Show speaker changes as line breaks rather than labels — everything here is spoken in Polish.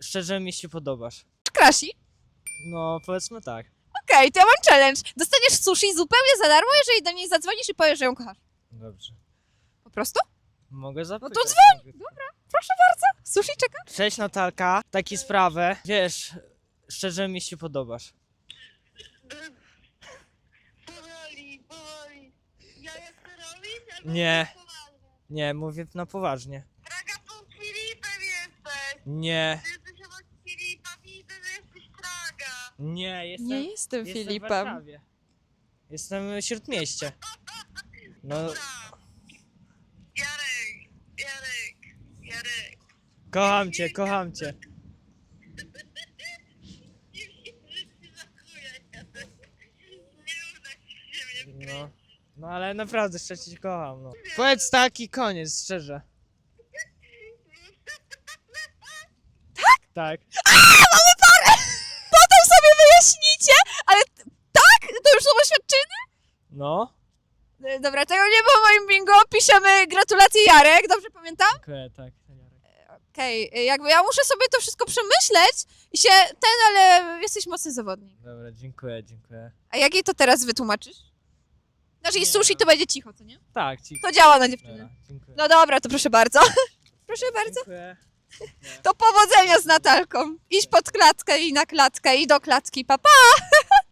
szczerze mi się podobasz.
Krasi?
No, powiedzmy tak.
Okej, to ja mam challenge. Dostaniesz sushi zupełnie za darmo, jeżeli do niej zadzwonisz i powiesz, że ją kochasz.
Dobrze.
Po prostu?
Mogę zapytać?
No to dzwoń! Proszę bardzo. Sushi czeka?
Cześć Natalka, taki sprawę. Wiesz, szczerze mi się podobasz.
Powoli. Ja chcę robić, albo
Nie.
poważnie.
Nie, mówię na poważnie.
Draga, pod Filipem jesteś.
Nie,
Ty jesteś obok Filipa, widzę, że jesteś Draga.
nie, jestem,
Nie jestem
w
Filipem.
Warszawie. Jestem w Śródmieście. No,
Dobra. Jarek.
kocham cię, kocham cię.
Nie wiem, że ci żakuję, Jarek. Nie uda ci się mnie
No, no ale naprawdę szczerze cię kocham, no. Powiedz tak i koniec, szczerze. Tak?
Potem sobie wyjaśnicie, ale tak? To już są oświadczyny?
No.
Dobra, tego nie było w moim bingo. Piszemy gratulacje Jarek, dobrze pamiętam?
Dziękuję, tak. Jarek.
Okej, jakby ja muszę sobie to wszystko przemyśleć i się ale jesteś mocny zawodnik.
Dobra, dziękuję.
A jak jej to teraz wytłumaczysz? Znaczy i
Nie.
sushi to będzie cicho, co nie?
Tak, ci.
To działa na dziewczyny.
Dobra, dziękuję.
No dobra, to proszę bardzo. Proszę bardzo.
Dziękuję.
To powodzenia z Natalką. Idź pod klatkę i na klatkę i do klatki, papa. Pa.